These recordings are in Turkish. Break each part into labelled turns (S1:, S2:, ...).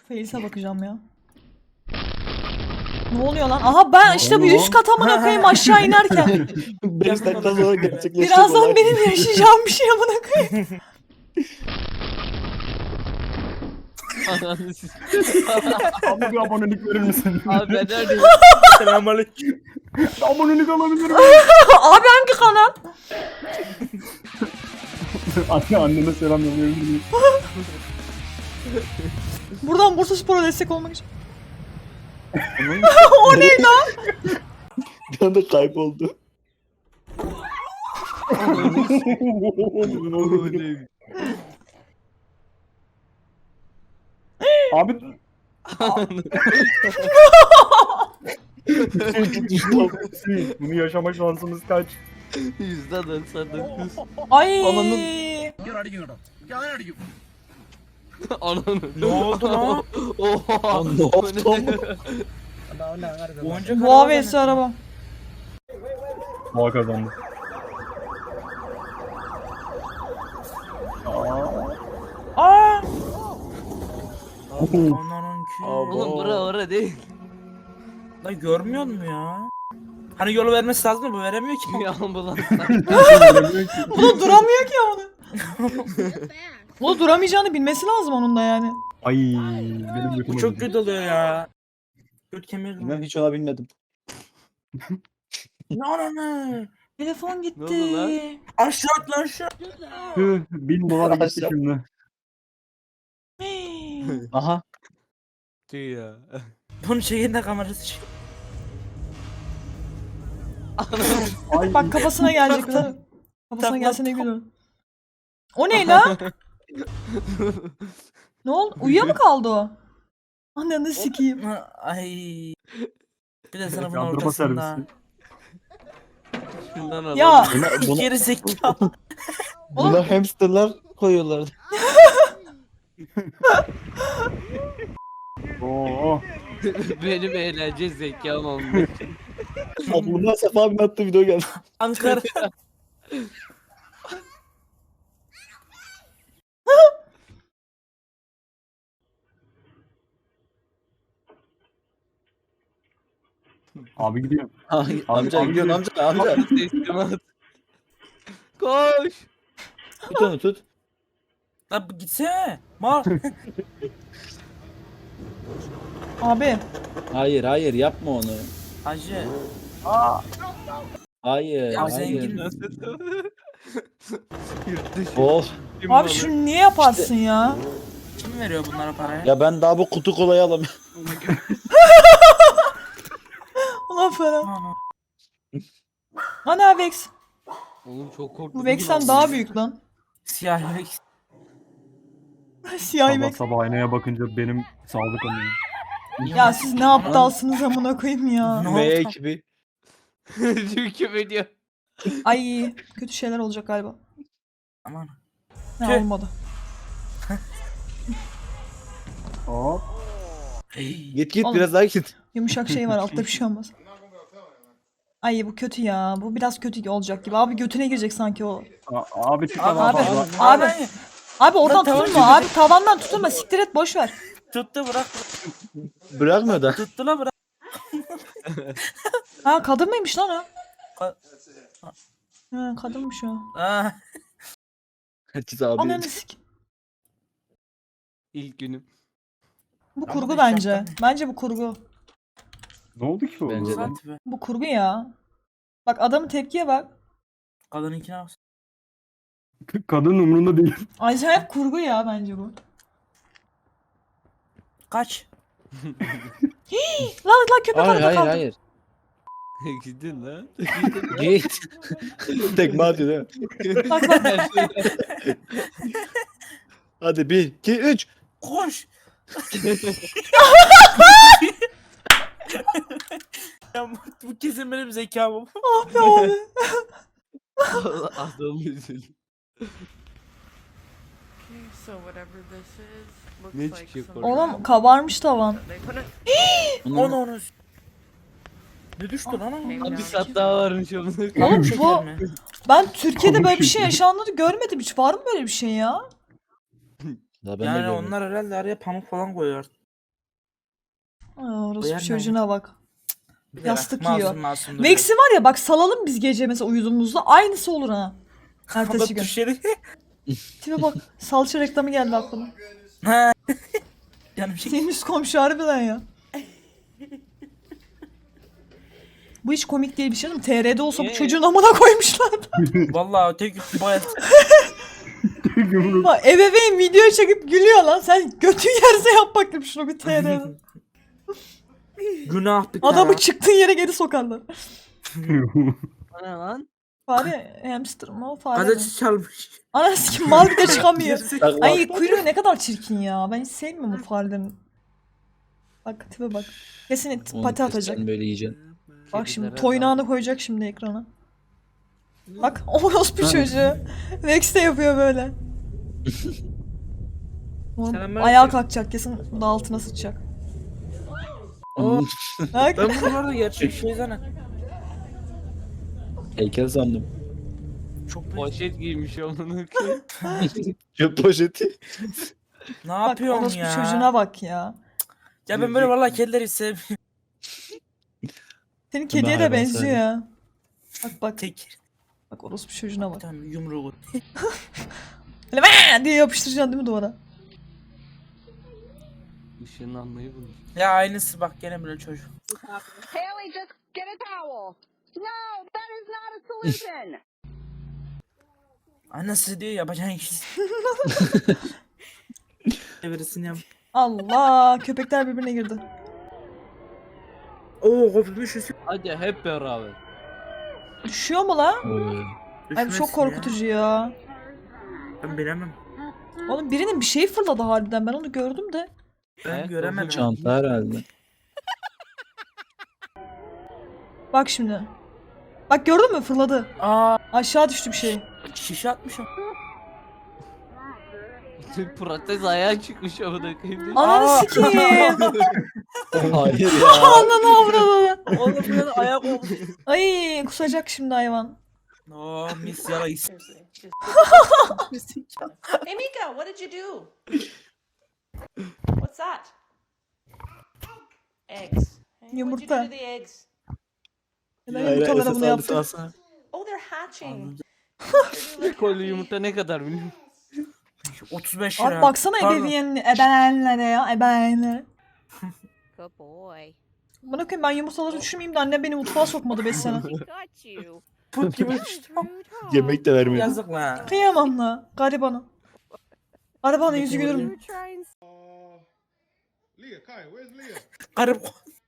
S1: Fails'e bakacağım ya. Ne oluyor lan? Aha ben işte bu 100 kat amına koyayım aşağı inerken.
S2: 5 dakika sonra gerçekleşecek
S1: Birazdan
S2: olay.
S1: benim yaşayacağım bir şey amına koyayım.
S3: Ananı sikeyim.
S4: Abi bir abonelik verir misin?
S3: Abi ben neredeyim?
S2: Selamünaleyküm.
S4: Abonelik alabilir miyim?
S1: Abi hangi kanal?
S4: Anneme selam yollayabilir miyim?
S1: Buradan Bursaspor'a destek olmak için.
S2: O ne lan? Bir anda kayboldu.
S4: Abi bunu yaşama şansımız kaç?
S3: %99.
S1: Ay.
S3: Ananı.
S2: Ne oldu lan?
S3: Oha.
S2: Ne oldu?
S5: Boncuk
S1: Boğa vs araba.
S4: Boğa kazandı.
S1: Aa.
S3: Oğlum bura ora değil.
S5: Lan görmüyor musun ya? Hani yolu vermesi lazım da bu veremiyor ki.
S3: Bir ambulans.
S1: Bu da duramıyor ki onu. Bu da duramayacağını bilmesi lazım onun da yani.
S4: Ay benim
S5: Bu
S4: götüm
S5: çok
S4: acıdı.
S5: kötü oluyor ya. Göt kemiği.
S2: Ben hiç ona binmedim.
S5: Ne?
S1: Telefon
S3: Ne oldu
S1: gitti.
S5: Aşağı at lan aşağı.
S4: Tüh, 1000 dolar gitti
S2: Aşağı.
S4: şimdi.
S1: Hey.
S2: Aha.
S3: Tüy ya.
S5: Bunun şeyinde kamerası çık.
S4: Ay
S1: Bak kafasına gelecek. Kafasına
S5: Tamam,
S1: gelsene gülür. O ne lan? Ne oldu? Uyuya mı kaldı o? Ananı sikeyim.
S5: Ay. Bir de sana bunun
S4: yandırma
S5: ortasında.
S4: servisi.
S3: Şundan al.
S1: Ya
S2: Buna,
S5: Geri zekalı.
S2: buna hamsterlar koyuyorlar.
S4: Oo.
S3: Benim eğlence zekam olmuş.
S2: Bundan Sefa abinin attığı video geldi.
S5: Ankara.
S4: Abi gidiyor.
S2: Ay, amca
S4: abi
S2: gidiyorsun
S4: gidiyor.
S2: amca.
S3: Teslimat. Koş.
S2: Tut onu tut.
S5: Lan gitsene. Mal.
S1: abi.
S2: Hayır yapma onu.
S5: Hacı.
S2: Hayır.
S5: Ya
S2: hayır.
S5: zengin.
S3: Yurt dışı.
S2: Oh.
S1: Abi şunu niye yaparsın ya?
S5: Kim veriyor bunlara parayı?
S2: Ya ben daha bu kutu kolayı alamıyorum.
S1: Ulan Ferhat.
S5: Ana.
S1: Ana Vex.
S3: Oğlum çok korktum.
S1: Bu Vex'ten daha büyük lan.
S5: Siyah yürek.
S1: Siyah
S4: Sabah
S1: Vex.
S4: sabah aynaya bakınca benim sağlık anıyor.
S1: Ya siz ne aptalsınız amına koyayım ya.
S5: Ne
S2: V
S5: oldu?
S2: ekibi.
S3: Çünkü video.
S1: Ay kötü şeyler olacak galiba.
S5: Aman.
S1: Ne
S5: Tüh.
S1: olmadı.
S4: Hop.
S2: Git
S1: Oğlum.
S2: biraz daha git.
S1: Yumuşak şey var altta bir şey olmaz. Ay bu kötü ya. Bu biraz kötü olacak gibi. Abi götüne girecek sanki o.
S4: Abi çık
S5: Abi,
S4: lan
S1: abi,
S4: fazla.
S1: abi. Abi oradan
S5: Lan tamam,
S1: tutulma abi. Tavandan tutulma. Siktir et boş ver.
S5: Tuttu bırak.
S2: Bırakmıyor da.
S5: Tuttu la bırak.
S1: Ha kadın mıymış lan o?
S5: Ka-
S1: Ha kadınmış o.
S5: Aa.
S2: Herkes abi.
S1: Ananı sik.
S3: İlk günüm.
S1: Bu
S5: Ama
S1: kurgu
S5: bir
S1: bence.
S5: şapka-
S1: Bence bu kurgu.
S4: Ne oldu ki o?
S2: Bence de.
S5: Sat be.
S1: Bu kurgu ya. Bak adamın tepkiye bak.
S5: Kadınınkine bak.
S4: Kadın umurunda değil.
S1: Acayip kurgu ya bence bu.
S5: Kaç.
S1: Lan köpek
S2: Hayır
S1: arada kaldı.
S2: hayır.
S3: Gidin lan.
S2: Git. Tekme atıyor değil mi?
S1: Bak bak.
S2: Hadi 1, 2, 3.
S5: Koş. Ya bu kesin benim zekamım.
S1: Ah be abi.
S3: Adam üzüldü.
S6: So whatever this is looks
S3: Ne
S6: like
S3: çıkacak
S6: some
S3: oradan?
S1: Oğlum kabarmış tavan.
S6: they put it
S5: Onu. Ne düştü lan
S6: came
S5: onun?
S3: Bir
S6: down
S3: sat
S6: to-
S3: daha varmış onun.
S1: Oğlum
S5: Şeker
S1: bu
S5: mi?
S1: ben Türkiye'de böyle bir şey yaşandığını görmedim hiç. Var mı böyle bir şey ya?
S2: Ya ben de
S5: Yani
S2: görmedim.
S5: onlar herhalde araya pamuk falan koyuyor.
S1: Orası
S5: Uyar
S1: bir
S5: ne?
S1: çocuğuna bak.
S5: Bir de
S1: Yastık
S5: bak,
S1: yiyor.
S5: masum masum duruyor.
S1: Vex'i var ya bak salalım biz gece mesela uyuduğumuzda aynısı olur ha. Ertesi
S5: Ama
S1: gün.
S5: düşeri.
S1: Tipe bak salça reklamı geldi aklıma.
S5: Ha. Canım şey.
S1: Senin üst komşu harbiden ya. Bu hiç komik değil bir şey değil mi? TR'de olsa bu çocuğun amına koymuşlar.
S5: Vallahi tek bayağı
S4: Yumruk.
S1: Bak ebeveyn video çekip gülüyor lan. Sen götün yerse yap bakayım şunu bir TR'de.
S5: günah bir
S1: Adamı
S5: tane.
S1: çıktığın yere geri sokarlar.
S3: O ne lan?
S1: Fare hamster mı o fare mi?
S5: Gazeteci çalmış.
S1: Anası kim mal bir de çıkamıyor.
S2: Bak,
S1: Ay kuyruğu ne kadar çirkin ya. Ben hiç sevmiyorum bu farelerin. Bak tipe bak. Kesin
S2: onu
S1: pati atacak.
S2: keseceksin, böyle yiyeceksin.
S1: Bak şimdi
S3: Kedilere
S1: toynağını koyacak şimdi ekrana. Bak orospu çocuğu. Vex de yapıyor böyle. Oğlum,
S5: Selam
S1: ayağa
S5: versin.
S1: kalkacak kesin da altına sıçacak.
S5: Oo,
S1: Bak.
S5: ben bunu orada gerçek şey zannettim.
S2: Heykel sandım.
S5: Çok büyük.
S3: Poşet giymiş onun ki.
S2: Çöp poşeti.
S5: Ne
S1: Bak
S5: yapıyorsun
S1: orospu
S5: ya?
S1: çocuğuna bak ya.
S5: Ya ben böyle vallahi kedileri sevmiyorum.
S1: Senin kediye de
S2: hayvan
S1: benziyor
S2: sevmiyorum.
S1: ya. Bak bak.
S5: Tek.
S1: Bak orospu çocuğuna bak.
S5: Tamam yumruğu.
S1: Böyle "Vaa!" diye yapıştıracaksın değil mi duvara?
S3: Işınlanmayı bulmuş.
S5: Ya aynısı bak gene böyle çocuk.
S7: Haley, just get a towel. No, that is not a solution.
S5: Annesi diyor yapacağın iş. Birisini yap.
S1: Allah köpekler birbirine girdi.
S5: Oo kopmuş üstü.
S3: Hadi hep beraber.
S1: Düşüyor mu la?
S2: Oy.
S1: Ay bu çok korkutucu ya.
S5: Ben bilemem.
S1: Oğlum birinin bir şey fırladı harbiden ben onu gördüm de.
S5: Ben
S3: Evet,
S5: göremedim.
S2: Çanta herhalde.
S1: Bak şimdi. Bak gördün mü fırladı.
S5: Aa
S1: Aşağı düştü bir şey.
S5: şişe atmış o.
S3: Protez ayağı çıkmış amına koyayım.
S1: Ananı
S5: Aa.
S1: sikeyim.
S2: Hayır ya.
S1: Ananı avradı.
S5: Oğlum böyle ayak olmuş.
S1: Ay kusacak şimdi hayvan.
S5: Oo mis yarayız.
S8: Hey Mika, what did you do? What's that? Eggs. Hey, what'd you do
S1: Yumurta.
S8: to the eggs?
S1: Neden
S2: Hayır,
S1: yumurtalara
S2: esas
S1: bunu
S2: aldı,
S1: yaptı?
S2: alsana.
S8: Oh, they're hatching.
S3: Kolye yumurta ne kadar biliyorum.
S5: 35 lira.
S1: Abi baksana
S5: Pardon.
S1: ebeveynlere ya ebeveynlere.
S9: Good boy.
S1: Bana koyayım ben yumurtaları düşünmeyeyim de annem beni mutfağa sokmadı 5 sene.
S9: He got you.
S5: Put gibi.
S9: Rude, huh?
S2: Yemek de vermedi.
S5: Yazık lan.
S1: Kıyamam la garibana. Garibanın yüzü gülür
S9: You
S1: mü?
S9: were trying
S10: Leah, Kai, where's Leah?
S5: Garip.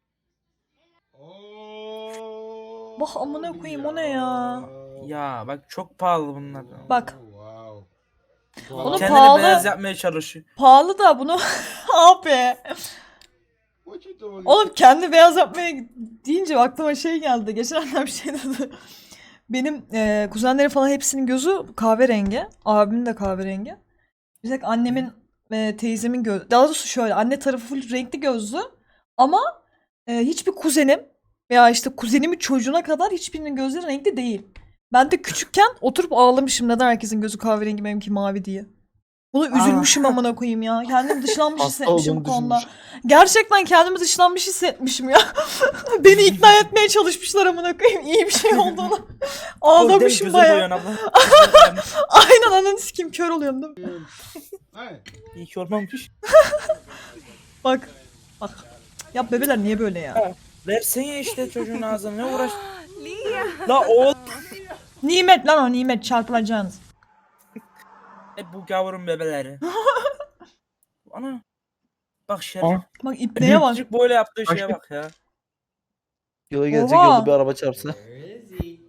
S10: Oh.
S1: Bak amına koyayım o ne ya?
S5: Ya bak çok pahalı bunlar.
S1: Bak
S10: Wow.
S1: onu
S5: Kendini
S1: pahalı
S5: beyaz yapmaya çalışıyor.
S1: pahalı da bunu abi.
S10: What you doing?
S1: Oğlum kendi beyaz yapmaya deyince aklıma şey geldi. Geçen annem bir şey dedi. Benim kuzenlerim falan hepsinin gözü kahverengi. Abimin de kahverengi. Bir tek annemin ve teyzemin gözü. Daha doğrusu şöyle anne tarafı full renkli gözlü. Ama hiçbir kuzenim veya işte kuzenimin çocuğuna kadar hiçbirinin gözleri renkli değil. Ben de küçükken oturup ağlamışım neden herkesin gözü kahverengi benimki mavi diye. Bunu üzülmüşüm amına koyayım ya. Kendimi dışlanmış
S2: Hasta
S1: hissetmişim bu
S2: olduğunu
S1: konuda.
S2: düşünmüş.
S1: Gerçekten kendimi dışlanmış hissetmişim ya. Beni ikna etmeye çalışmışlar amına koyayım iyi bir şey olduğunu. Ağlamışım baya. Aynen ananı sikeyim kör oluyorum değil mi?
S10: Hey.
S5: İyi ki olmamış.
S1: Bak. Bak. Ya bebeler niye böyle ya?
S5: Versene işte çocuğun ağzına ne uğraş.
S9: Leah.
S5: La oğul.
S1: Nimet lan o nimet çarpılacaksınız.
S5: Hep bu gavurun bebeleri. Ana. Bak şerif.
S4: Aa.
S1: Bak ipneye bak.
S5: Çocuk böyle yaptığı şeye
S4: Başka-
S5: bak ya.
S2: Yola gelecek
S1: Oha.
S2: yolda bir araba çarpsa.
S11: Where is he?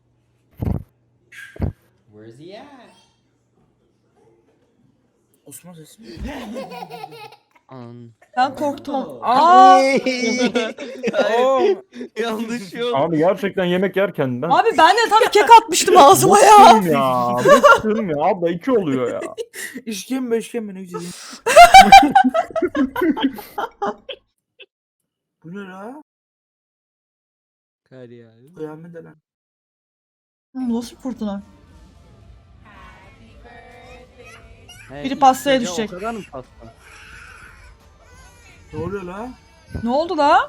S11: Where's he at?
S5: Osman sesi.
S3: An.
S1: Ben korktum.
S5: Aa.
S1: Aa!
S5: Oo.
S3: Yanlış yol.
S4: Abi gerçekten yemek yerken ben
S1: Abi ben de tam kek atmıştım ağzıma ya.
S4: bıktım ya. Bıktım ya. Abla 2 oluyor ya.
S5: İşkembe ne güzel. Bu ne la?
S3: Kar ya.
S5: Kıyamet lan.
S1: Bu nasıl bir fırtına?
S3: He,
S1: Biri pastaya
S3: ya,
S1: düşecek.
S3: O kadar mı pasta?
S5: Ne oluyor la?
S1: Ne oldu la?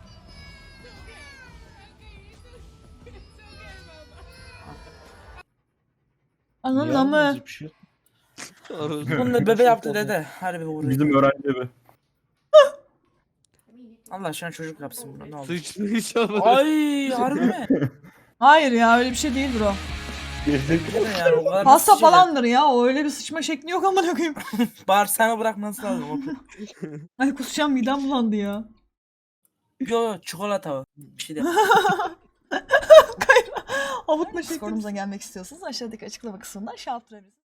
S1: Ananın amı.
S2: Bir şey.
S5: Bunu da bebe yaptı dede. Hadi bir vurayım.
S4: Bizim öğrenci evi.
S5: Allah aşkına çocuk yapsın bunu ne olur.
S3: Sıçmış amına.
S5: Ay harbi mi?
S1: Hayır ya öyle bir şey değil bro.
S2: Gerizekalı.
S5: Dede yani o kadar
S1: Hasta
S5: nasıl şeyler-
S1: falandır ya. O öyle bir sıçma şekli yok amına koyayım.
S5: Bağırsağını bırakması lazım.
S1: Ay kusacağım midem bulandı ya.
S5: Yo çikolata o. Bir şey de.
S1: Avutma şekli. Sorumuza gelmek istiyorsanız aşağıdaki açıklama kısmından şey yaptırabilirsiniz.